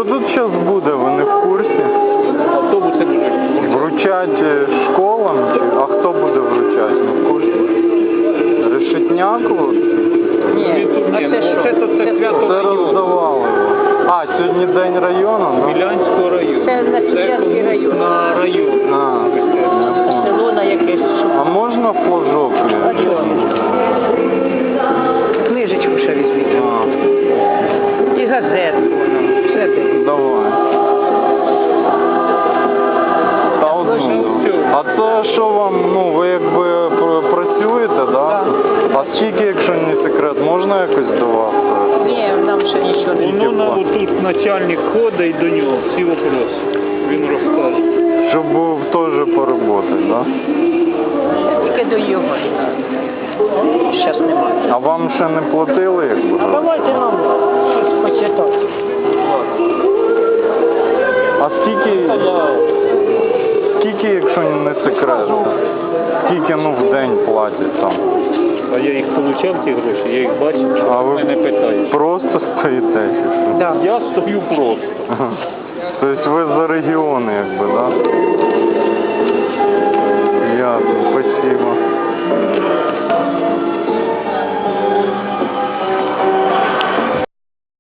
що тут зараз буде, ви не в курсі? Автобуси будуть. Вручать школам? А хто буде вручати? Не в курсі? Решетняк? Ні, а це що? Це свято Це роздавали. А, сьогодні день району? Ну? Мілянського району. Це на Печерський район. На район. А, я понял. Село на якесь. А можна флажок? А чого? Книжечку ще візьміть. А, І газетку. Все те. давай. Та одну. А це що вам, ну, ви якби працюєте, да? Так. А скільки, якщо не секрет, можна якось до вас? Ні, нам ще нічого не Воно на отут начальник ходить до нього, всі вопроси. Він розкаже. Щоб був теж поработати, да? тільки до його. Зараз немає. А вам ще не платили, якби? А давайте нам щось почитати. А скільки, якщо не секрет? Скільки, ну, в день платять там? А я їх отримав, ті гроші, я їх бачив, А ви мене питають. просто стоїте? чи що? Да. Я стою просто. Тобто ви за регіони, якби, да? Ясно, спасибо.